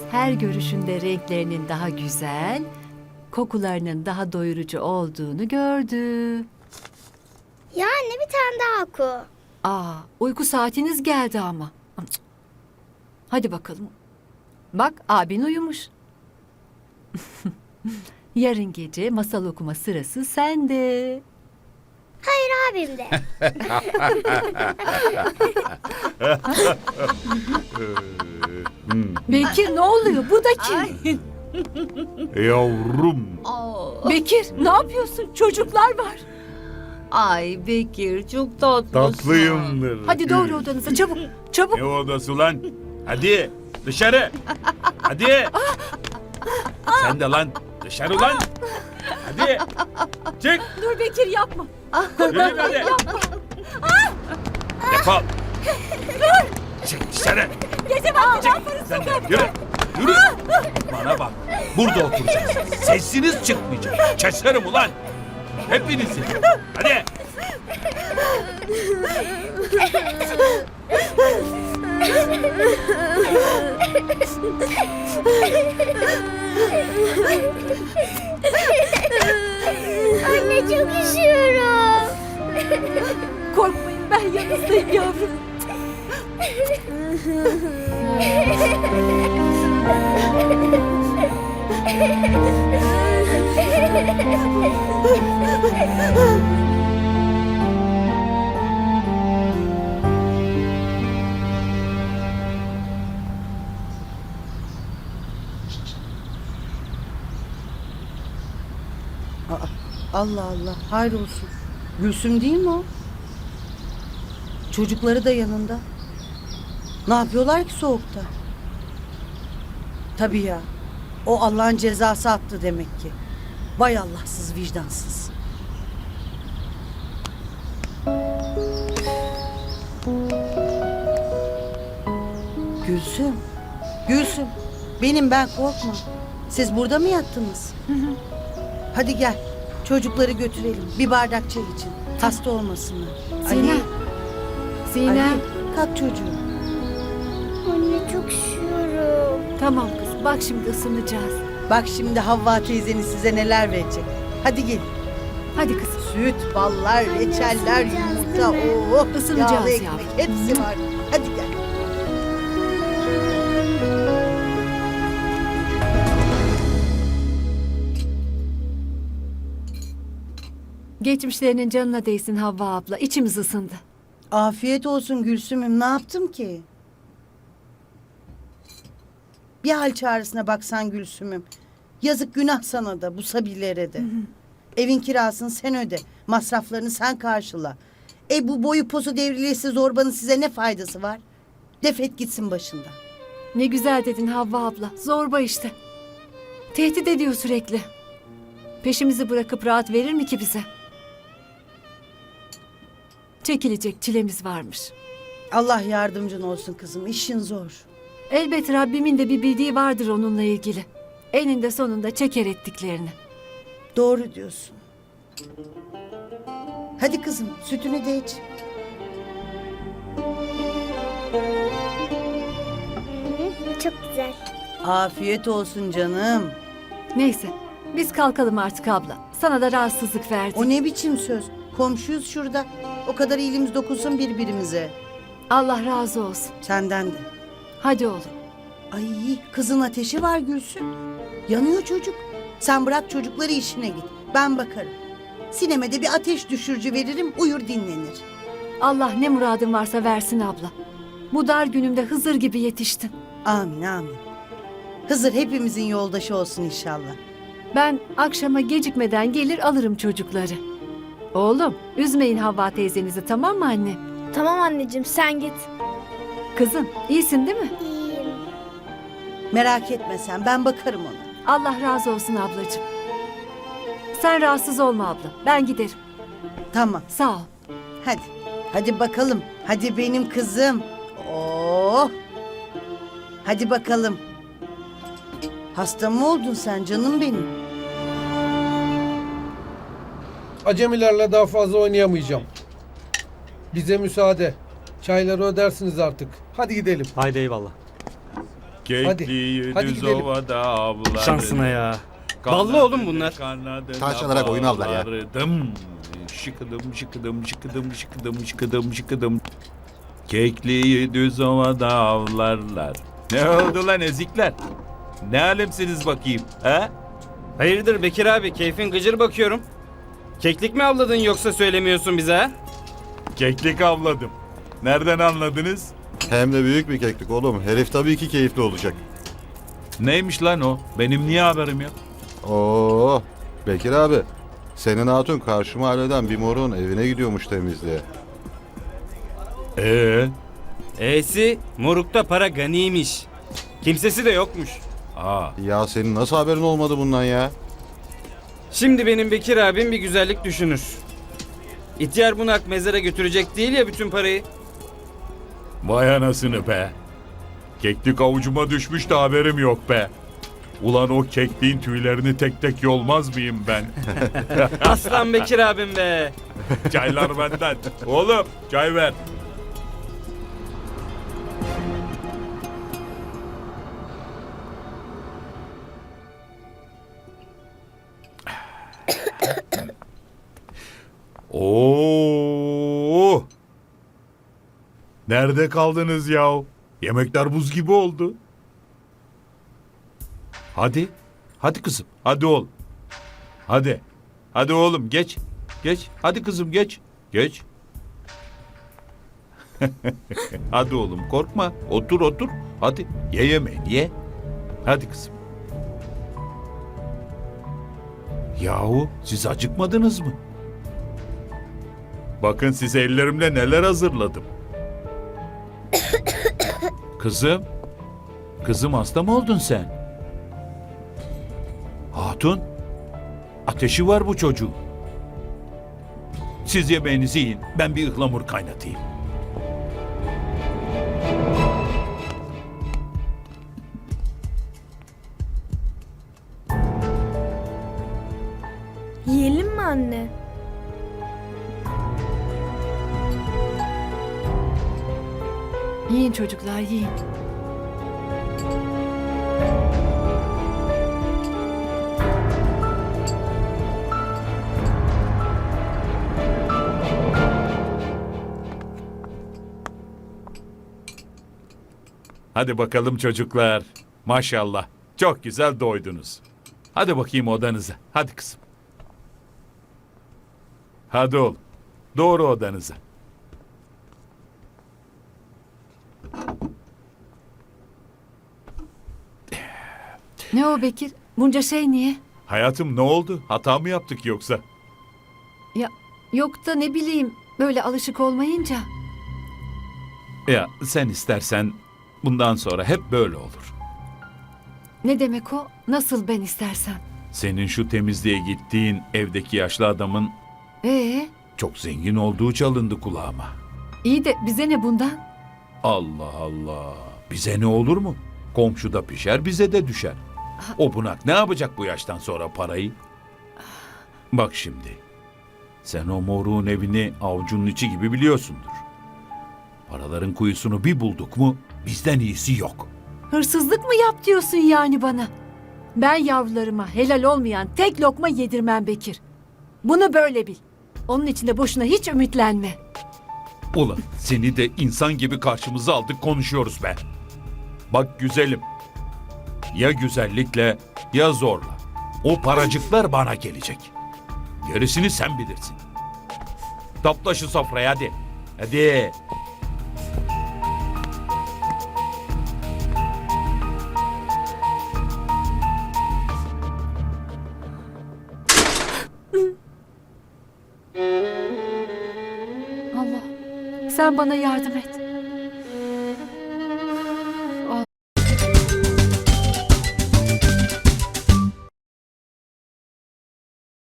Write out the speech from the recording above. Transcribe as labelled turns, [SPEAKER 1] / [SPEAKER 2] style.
[SPEAKER 1] her görüşünde renklerinin daha güzel, kokularının daha doyurucu olduğunu gördü.
[SPEAKER 2] Ya anne bir tane daha oku.
[SPEAKER 1] Uyku saatiniz geldi ama. Cık. Hadi bakalım. Bak abin uyumuş. Yarın gece masal okuma sırası sende.
[SPEAKER 2] Hayır abim de.
[SPEAKER 1] Bekir ne oluyor? Bu da kim?
[SPEAKER 3] Yavrum.
[SPEAKER 1] Bekir ne yapıyorsun? Çocuklar var.
[SPEAKER 4] Ay Bekir çok tatlısın.
[SPEAKER 3] Tatlıyımdır.
[SPEAKER 1] Hadi doğru odanıza çabuk. Çabuk.
[SPEAKER 3] Ne odası lan? Hadi dışarı. Hadi. Sen de lan. Dışarı lan. Hadi. Çık.
[SPEAKER 1] Dur Bekir yapma.
[SPEAKER 3] Yürü hadi. Defol. Çık dışarı. Sen de yürü. Yürü. Bana bak. Burada oturacaksın. Sesiniz çıkmayacak. Keserim ulan. Hepinizi. Hadi.
[SPEAKER 2] Anne çok üşüyorum.
[SPEAKER 1] Korkmayın ben yanınızdayım yavrum.
[SPEAKER 5] Allah Allah, hayrolsun. Gülsüm değil mi o? Çocukları da yanında. Ne yapıyorlar ki soğukta? Tabii ya. O Allah'ın cezası attı demek ki. Vay Allahsız, vicdansız. Gülsüm. Gülsüm. Benim ben korkma. Siz burada mı yattınız? Hadi gel. Çocukları götürelim. Bir bardak çay için. Hasta olmasınlar.
[SPEAKER 1] Sinem. Sinem.
[SPEAKER 5] Ali, kalk çocuğum.
[SPEAKER 2] Anne çok üşüyorum.
[SPEAKER 1] Tamam kız bak şimdi ısınacağız.
[SPEAKER 5] Bak şimdi Havva teyzeniz size neler verecek. Hadi gelin.
[SPEAKER 1] Hadi kızım.
[SPEAKER 5] Süt, ballar, reçeller, yumurta,
[SPEAKER 1] Isınacağız
[SPEAKER 5] yağlı ekmek
[SPEAKER 1] yavrum.
[SPEAKER 5] hepsi var. Hadi gel.
[SPEAKER 1] Geçmişlerinin canına değsin Havva abla. İçimiz ısındı.
[SPEAKER 5] Afiyet olsun Gülsüm'üm. Ne yaptım ki? Bir hal çağrısına baksan Gülsüm'üm. Yazık günah sana da bu sabirlere de. Evin kirasını sen öde. Masraflarını sen karşıla. Bu boyu posu devrilesi zorbanın size ne faydası var? Defet gitsin başından.
[SPEAKER 1] Ne güzel dedin Havva abla. Zorba işte. Tehdit ediyor sürekli. Peşimizi bırakıp rahat verir mi ki bize? Çekilecek çilemiz varmış.
[SPEAKER 5] Allah yardımcın olsun kızım. İşin zor.
[SPEAKER 1] Elbet Rabbimin de bir bildiği vardır onunla ilgili. Eninde sonunda çeker ettiklerini.
[SPEAKER 5] Doğru diyorsun. Hadi kızım sütünü de iç.
[SPEAKER 2] Çok güzel.
[SPEAKER 5] Afiyet olsun canım.
[SPEAKER 1] Neyse biz kalkalım artık abla. Sana da rahatsızlık verdik.
[SPEAKER 5] O ne biçim söz? Komşuyuz şurada. O kadar iyiliğimiz dokunsun birbirimize.
[SPEAKER 1] Allah razı olsun.
[SPEAKER 5] Senden de.
[SPEAKER 1] Hadi oğlum.
[SPEAKER 5] Ay kızın ateşi var Gülsün. Yanıyor çocuk. Sen bırak çocukları işine git. Ben bakarım. Sineme de bir ateş düşürücü veririm uyur dinlenir.
[SPEAKER 1] Allah ne muradın varsa versin abla. Bu dar günümde Hızır gibi yetiştin.
[SPEAKER 5] Amin amin. Hızır hepimizin yoldaşı olsun inşallah.
[SPEAKER 1] Ben akşama gecikmeden gelir alırım çocukları. Oğlum üzmeyin Havva teyzenizi tamam mı anne?
[SPEAKER 2] Tamam anneciğim sen git.
[SPEAKER 1] Kızım iyisin değil mi?
[SPEAKER 2] İyiyim.
[SPEAKER 5] Merak etme sen ben bakarım ona.
[SPEAKER 1] Allah razı olsun ablacığım. Sen rahatsız olma abla. Ben giderim.
[SPEAKER 5] Tamam
[SPEAKER 1] Sağ ol.
[SPEAKER 5] hadi. Hadi bakalım. Hadi benim kızım. Oh. Hadi bakalım. Hasta mı oldun sen canım benim?
[SPEAKER 6] Acemilerle daha fazla oynayamayacağım. Bize müsaade. Çayları ödersiniz artık. Hadi gidelim.
[SPEAKER 7] Haydi eyvallah.
[SPEAKER 3] Kekliği
[SPEAKER 6] Hadi
[SPEAKER 3] düz
[SPEAKER 6] gidelim.
[SPEAKER 3] ovada avlardım.
[SPEAKER 7] Şansına ya. Ballı oğlum bunlar.
[SPEAKER 8] Taş alarak oyun aldılar ya.
[SPEAKER 3] Şıkıdım şıkıdım şıkıdım şıkıdım şıkıdım şıkıdım. Kekliği düz ovada avlarlar. Ne oldu lan ezikler? Ne alemsiniz bakayım, ha?
[SPEAKER 7] Hayırdır Bekir abi, keyfin gıcır bakıyorum. Keklik mi avladın yoksa söylemiyorsun bize ha?
[SPEAKER 3] Keklik avladım. Nereden anladınız?
[SPEAKER 8] Hem de büyük bir keklik oğlum. Herif tabii ki keyifli olacak.
[SPEAKER 3] Neymiş lan o? Benim niye haberim yok?
[SPEAKER 8] Oo, Bekir abi. Senin hatun karşı mahalleden bir morun evine gidiyormuş temizliğe.
[SPEAKER 7] E'si morukta para ganiymiş. Kimsesi de yokmuş.
[SPEAKER 3] Aa,
[SPEAKER 8] Ya senin nasıl haberin olmadı bundan ya?
[SPEAKER 7] Şimdi benim Bekir abim bir güzellik düşünür. İhtiyar bunak mezara götürecek değil ya bütün parayı.
[SPEAKER 3] vay anasını be. Keklik avucuma düşmüş de haberim yok be. Ulan o kekliğin tüylerini tek tek yolmaz mıyım ben?
[SPEAKER 7] Aslan Bekir abim be.
[SPEAKER 3] Çaylar benden. Oğlum çay ver. Oo! Nerede kaldınız yahu? Yemekler buz gibi oldu. Hadi. Hadi kızım. Hadi oğlum. Hadi. Hadi oğlum geç. Geç. Hadi kızım geç. Geç. Hadi oğlum korkma. Otur otur. Hadi ye yemeğini ye. Hadi kızım. Yahu siz acıkmadınız mı? Bakın size ellerimle neler hazırladım. Kızım. Kızım hasta mı oldun sen? Hatun. Ateşi var bu çocuğun. Siz yemeğinizi yiyin. Ben bir ıhlamur kaynatayım.
[SPEAKER 2] Yiyelim mi anne?
[SPEAKER 1] Yiyin çocuklar yiyin.
[SPEAKER 3] Hadi bakalım çocuklar. Maşallah. Çok güzel doydunuz. Hadi bakayım odanıza. Hadi kızım. Hadi oğlum. Doğru odanıza.
[SPEAKER 1] Ne o Bekir? Bunca şey niye?
[SPEAKER 3] Hayatım ne oldu? Hata mı yaptık yoksa?
[SPEAKER 1] Ya yok da ne bileyim böyle alışık olmayınca.
[SPEAKER 3] Ya sen istersen bundan sonra hep böyle olur.
[SPEAKER 1] Ne demek o? Nasıl ben istersem.
[SPEAKER 3] Senin şu temizliğe gittiğin evdeki yaşlı adamın çok zengin olduğu çalındı kulağıma.
[SPEAKER 1] İyi de bize ne bundan?
[SPEAKER 3] Allah Allah. Bize ne olur mu? Komşuda pişer bize de düşer. O bunak ne yapacak bu yaştan sonra parayı? Bak şimdi. Sen o moruğun evini avucunun içi gibi biliyorsundur. Paraların kuyusunu bir bulduk mu bizden iyisi yok.
[SPEAKER 1] Hırsızlık mı yap diyorsun yani bana? Ben yavrularıma helal olmayan tek lokma yedirmem Bekir. Bunu böyle bil. Onun için de boşuna hiç ümitlenme.
[SPEAKER 3] Ulan seni de insan gibi karşımıza aldık konuşuyoruz be. Bak güzelim. Ya güzellikle ya zorla. O paracıklar bana gelecek. Gerisini sen bilirsin. Topla şu sofrayı hadi. Hadi.
[SPEAKER 1] Allah, sen bana yardım et.